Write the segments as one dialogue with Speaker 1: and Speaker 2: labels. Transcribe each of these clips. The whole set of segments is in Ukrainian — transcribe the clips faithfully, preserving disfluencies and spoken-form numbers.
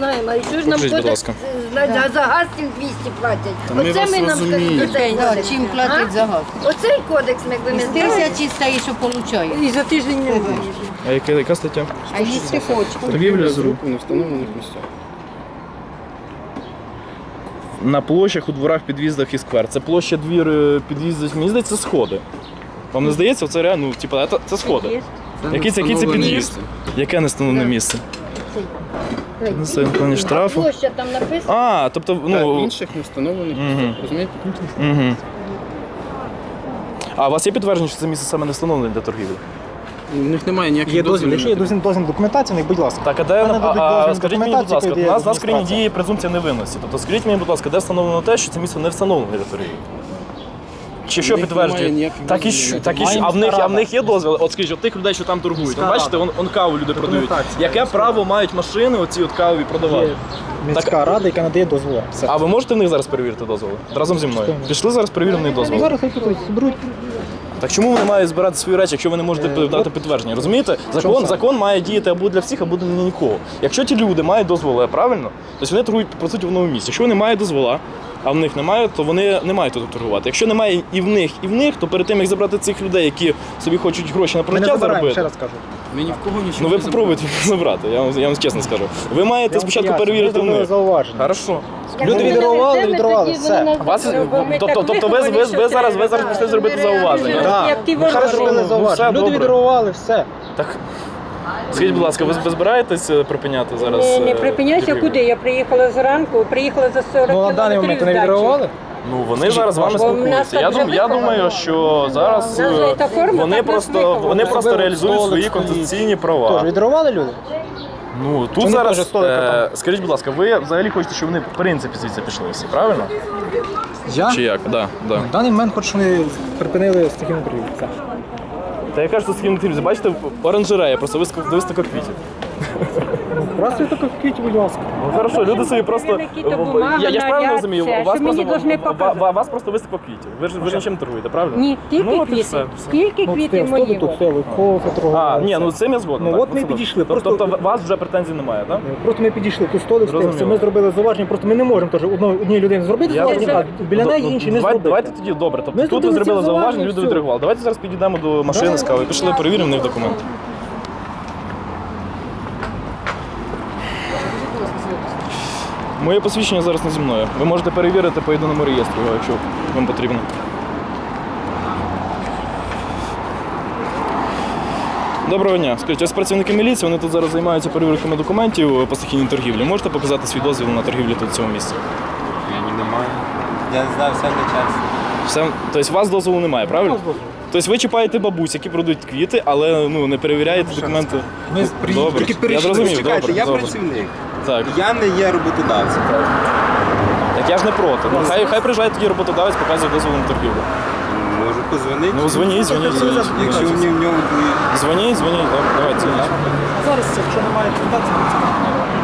Speaker 1: знаємо. А що ж нам
Speaker 2: Покажіть, будь
Speaker 1: кодекс
Speaker 2: ласка.
Speaker 1: за, за газ цим двісті платять?
Speaker 3: ми
Speaker 1: Оце
Speaker 3: вас
Speaker 1: ми нам
Speaker 3: розуміємо.
Speaker 1: скажіть,
Speaker 4: Да, чим платять за газ?
Speaker 1: Оцей кодекс, ми якби не знали.
Speaker 4: Тисячі стає, що получає.
Speaker 1: І за тиждень не вийде.
Speaker 2: А яка, яка стаття?
Speaker 4: А їсти хоче.
Speaker 2: Торгівля з
Speaker 3: рук у невстановлених місцях.
Speaker 2: На площах, у дворах, під'їздах і сквер. Це площа, двір, е, під'їзд, мені здається, це сходи. Вам не здається? Це реально, ну, типу, це, це сходи. Який це, який це
Speaker 3: невстановлене
Speaker 2: під'їзд?
Speaker 3: місце.
Speaker 2: Яке не встановлене місце? Ну, це плані штрафу.
Speaker 1: Площа там написано.
Speaker 2: А, тобто,
Speaker 3: Та
Speaker 2: ну...
Speaker 3: інших не встановлених
Speaker 2: Мгм.
Speaker 3: місцях. Розумієте?
Speaker 2: Угу. А у вас є підтвердження, що це місце саме не встановлене для торгівлі?
Speaker 3: У них немає ніяких
Speaker 5: Є дозвіл,
Speaker 3: дозволів.
Speaker 5: якщо є дозвіл, дозвіл документації, будь ласка.
Speaker 2: Так, а де,
Speaker 5: Мене
Speaker 2: а,
Speaker 5: дадуть
Speaker 2: а,
Speaker 5: дозвіл
Speaker 2: скажіть мені, будь
Speaker 5: документації,
Speaker 2: ласка,
Speaker 5: коли
Speaker 2: у
Speaker 5: є
Speaker 2: нас, у нас в країні
Speaker 5: адміністрація.
Speaker 2: діє презумпція невинності. Тобто скажіть мені, будь ласка, де встановлено те, що це місце не встановлене для торгівлі? Чи що
Speaker 3: них
Speaker 2: підтверджує?
Speaker 3: немає ніяких
Speaker 2: Так і
Speaker 3: дозволів.
Speaker 2: що, так і що.
Speaker 5: Має
Speaker 2: А в них,
Speaker 5: міська
Speaker 2: а в них
Speaker 5: рада.
Speaker 2: є дозвіл? От скажіть, от тих людей, що там торгують.
Speaker 5: Міська
Speaker 2: От бачите,
Speaker 5: рада.
Speaker 2: он, он каву люди продають.
Speaker 5: Документація.
Speaker 2: Яке право мають машини оці от кавові продавати?
Speaker 5: Є міська рада, яка надає дозволи. Все.
Speaker 2: А ви можете в них зараз перевірити дозволи? Разом зі мною. Пішли зараз перевіримо в них дозволи.
Speaker 5: Зараз хай тут зберуть.
Speaker 2: Так чому вони мають збирати свої речі, якщо ви не можете
Speaker 5: Е,
Speaker 2: дати
Speaker 5: от-
Speaker 2: підтвердження? Розумієте? Закон,
Speaker 5: саме?
Speaker 2: закон має діяти або для всіх, або для нікого. Якщо ті люди мають дозволи, правильно, то вони торгують по суті в новому місці. Якщо вони мають дозвола, а в них немає, то вони не мають тут торгувати. Якщо немає і в них, і в них, то перед тим як забрати цих людей, які собі хочуть гроші на
Speaker 5: Ми не
Speaker 2: прожиття
Speaker 5: забираємо, ще
Speaker 2: заробити.
Speaker 5: раз кажу.
Speaker 3: Ми ні в кого нічого
Speaker 2: Ну ви
Speaker 3: не
Speaker 2: попробуйте їх забрати, я вам, я вам чесно скажу. Ви маєте
Speaker 5: Я вам
Speaker 2: спочатку
Speaker 5: поясню,
Speaker 2: перевірити
Speaker 5: ми
Speaker 2: в
Speaker 5: зробили
Speaker 2: них.
Speaker 5: зауваження.
Speaker 2: Хорошо.
Speaker 5: Люди відреагували, відреагували, все.
Speaker 2: Вас, тобто, тобто ви, ви, ви зараз, ви зараз прийшли зробити зауваження.
Speaker 5: Так, ми
Speaker 2: Хорошо,
Speaker 5: зробили
Speaker 2: ну,
Speaker 5: зауваження.
Speaker 2: все
Speaker 5: Люди
Speaker 2: добре.
Speaker 5: відреагували, все.
Speaker 2: Так, скажіть, будь ласка, ви, ви збираєтесь е, припиняти зараз?
Speaker 6: Не, не
Speaker 2: е,
Speaker 6: припиняйся,
Speaker 2: торгівлю?
Speaker 6: куди? Я приїхала зранку, приїхала за сорок
Speaker 5: Ну, на даний
Speaker 6: кілометрів
Speaker 5: момент вони
Speaker 6: з дачі.
Speaker 5: відреагували?
Speaker 2: Ну вони зараз з вами
Speaker 6: бо в нас
Speaker 2: спілкуються.
Speaker 6: так
Speaker 2: Я,
Speaker 6: вже
Speaker 2: дум, я
Speaker 6: виховано.
Speaker 2: думаю, що зараз
Speaker 6: У нас же
Speaker 2: е,
Speaker 6: та форма
Speaker 2: вони
Speaker 6: так нас
Speaker 2: просто
Speaker 6: вихована.
Speaker 2: вони просто
Speaker 5: Особливо
Speaker 2: реалізують
Speaker 5: столик
Speaker 2: свої
Speaker 5: стоїть.
Speaker 2: конституційні
Speaker 5: Тож,
Speaker 2: права.
Speaker 5: відреагували люди?
Speaker 2: Ну
Speaker 5: Чи
Speaker 2: тут
Speaker 5: вони
Speaker 2: зараз
Speaker 5: теж столика
Speaker 2: е,
Speaker 5: там?
Speaker 2: скажіть, будь ласка, ви взагалі хочете, щоб вони в принципі звідси пішли всі, правильно?
Speaker 5: Я?
Speaker 2: Чи як? Да, да.
Speaker 5: В даний момент хочу, щоб вони припинили стихійну торгівлю. Все.
Speaker 2: Та я кажу, що з ким не бачите, оранжерея, просто виставка виставка квітів.
Speaker 5: Просто тако квіті, будь ласка.
Speaker 2: Ну хорошо, люди собі просто.
Speaker 6: Які-то бумага,
Speaker 2: Я, я ж правильно
Speaker 6: наряд,
Speaker 2: розумію,
Speaker 6: все,
Speaker 2: у вас
Speaker 6: що мені
Speaker 2: просто
Speaker 6: должны
Speaker 2: ва-
Speaker 6: показати.
Speaker 2: ва- вас просто виставка квітів. Ви ж ви ж нічим не торгуєте, правильно?
Speaker 6: Ні, тільки
Speaker 2: Ну, от і
Speaker 6: квіти.
Speaker 2: все, все.
Speaker 6: Тільки
Speaker 5: Ну,
Speaker 6: квіти
Speaker 5: столи
Speaker 6: мої.
Speaker 5: тут стояли, кофе
Speaker 2: А,
Speaker 5: торгували.
Speaker 2: ні, ну з цим я згоден.
Speaker 5: Ну,
Speaker 2: так,
Speaker 5: от ми
Speaker 2: це
Speaker 5: підійшли,
Speaker 2: добре.
Speaker 5: просто-
Speaker 2: Тобто у вас вже претензій немає, так?
Speaker 5: Просто ми підійшли, тут столик стояв, все,
Speaker 2: Зрозуміло.
Speaker 5: ми зробили зауваження, просто ми не можемо теж одної одній людині зробити
Speaker 2: Я
Speaker 5: зауваження,
Speaker 2: зрозумів.
Speaker 5: а біля
Speaker 2: Ну,
Speaker 5: неї
Speaker 2: ну,
Speaker 5: інші не
Speaker 2: давайте,
Speaker 5: зробити.
Speaker 2: давайте тоді добре. Тобто
Speaker 5: Ми
Speaker 2: тут ви
Speaker 5: зробили
Speaker 2: зробили
Speaker 5: ці
Speaker 2: зауваження,
Speaker 5: зауваження,
Speaker 2: люди
Speaker 5: все.
Speaker 2: відреагували. Давайте зараз підійдемо до машини з кавою, пішли, перевіримо в них документи. Моє посвідчення зараз не зі мною. Ви можете перевірити по єдиному реєстру, якщо вам потрібно. Доброго дня. Скажіть, ось працівники міліції, вони тут зараз займаються перевірками документів по стихійній торгівлі. Можете показати свій дозвіл на торгівлю тут в цьому місці?
Speaker 7: Я не маю. Я не знаю, все на час.
Speaker 2: Все, тобто у вас дозволу немає, правильно? Тобто ви чіпаєте бабусь, які продають квіти, але ну, не перевіряєте документи.
Speaker 5: Ми при-
Speaker 2: Добре.
Speaker 5: тільки
Speaker 2: Я
Speaker 5: перейшли.
Speaker 2: зрозумів,
Speaker 7: Чекайте,
Speaker 2: добре,
Speaker 7: я
Speaker 2: добре.
Speaker 7: працівник.
Speaker 2: Так.
Speaker 7: Я не є роботодавцем.
Speaker 2: Так я ж не проти. Ну, хай, хай приїжджає тоді роботодавець, показує дозвіл на торгівлю.
Speaker 7: Можу позвонити.
Speaker 2: Ну дзвоніть, дзвоніть, дзвоніть.
Speaker 7: Якщо мені в ньому буде.
Speaker 2: Дзвоніть, дзвоніть, добре, давайте дзвоніть.
Speaker 5: Зараз, якщо немає документації, то це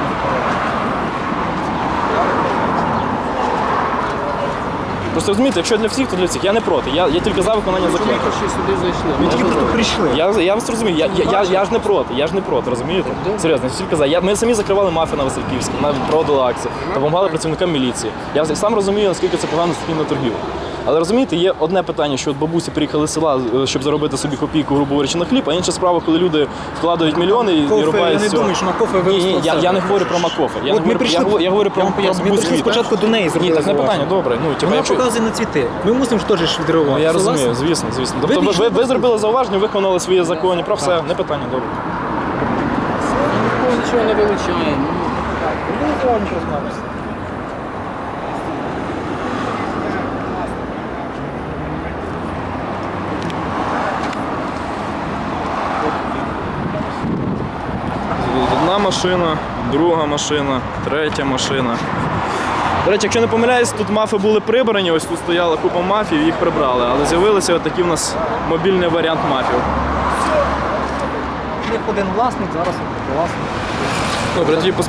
Speaker 2: Просто розумієте, якщо для всіх, то для всіх. Я не проти. Я, я тільки за виконання закону.
Speaker 3: Ми ще сюди зайшли.
Speaker 5: ми тільки просто прийшли.
Speaker 2: Я, я вас розумію, я, я, я, я ж не проти, я ж не проти, розумієте? Серйозно, я тільки за. Я, ми самі закривали мафію на Васильківську, навіть проводили акції, допомагали працівникам міліції. Я сам розумію, наскільки це погано стихійна торгівля. Але розумієте, є одне питання, що от бабусі приїхали з села, е, щоб заробити собі копійку, грубо говорячи, на хліб, а інша справа, коли люди вкладають мільйони і, і
Speaker 5: Кофе,
Speaker 2: рубають
Speaker 5: я не
Speaker 2: все.
Speaker 5: думаю, що на кофе
Speaker 2: Ні, ні,
Speaker 5: виростало
Speaker 2: я,
Speaker 5: все.
Speaker 2: я не говорю про Макофе. Я,
Speaker 5: От
Speaker 2: не
Speaker 5: ми
Speaker 2: говорю,
Speaker 5: прийшли-
Speaker 2: я, говорю- я говорю про,
Speaker 5: Я вам
Speaker 2: про
Speaker 5: поясню, ми
Speaker 2: бабусь
Speaker 5: прийшли
Speaker 2: квіти.
Speaker 5: спочатку до неї
Speaker 2: Ні,
Speaker 5: зробили
Speaker 2: так не
Speaker 5: зауваження.
Speaker 2: питання, добре. Ну, типу,
Speaker 5: Вона
Speaker 2: якщо...
Speaker 5: показує на цвіти. Ми мусимо ж теж ж
Speaker 2: Ну,
Speaker 5: відреагувати.
Speaker 2: я
Speaker 5: Согласні?
Speaker 2: розумію, звісно, звісно. Тобто ви,
Speaker 5: пішли
Speaker 2: ви, ви зробили зауваження, виконали свої законні прав, все, не питання, добре.
Speaker 3: Ніхто нічого не вилучає. Ну,
Speaker 5: Ну, зауваження, що знаєш.
Speaker 2: Одна машина, друга машина, третя машина. До речі, якщо не помиляюсь, тут мафи були прибрані, ось тут стояла купа мафів, їх прибрали, але з'явилися отакий у нас мобільний варіант мафів.
Speaker 5: У них один власник, зараз власник.
Speaker 2: Добре, тоді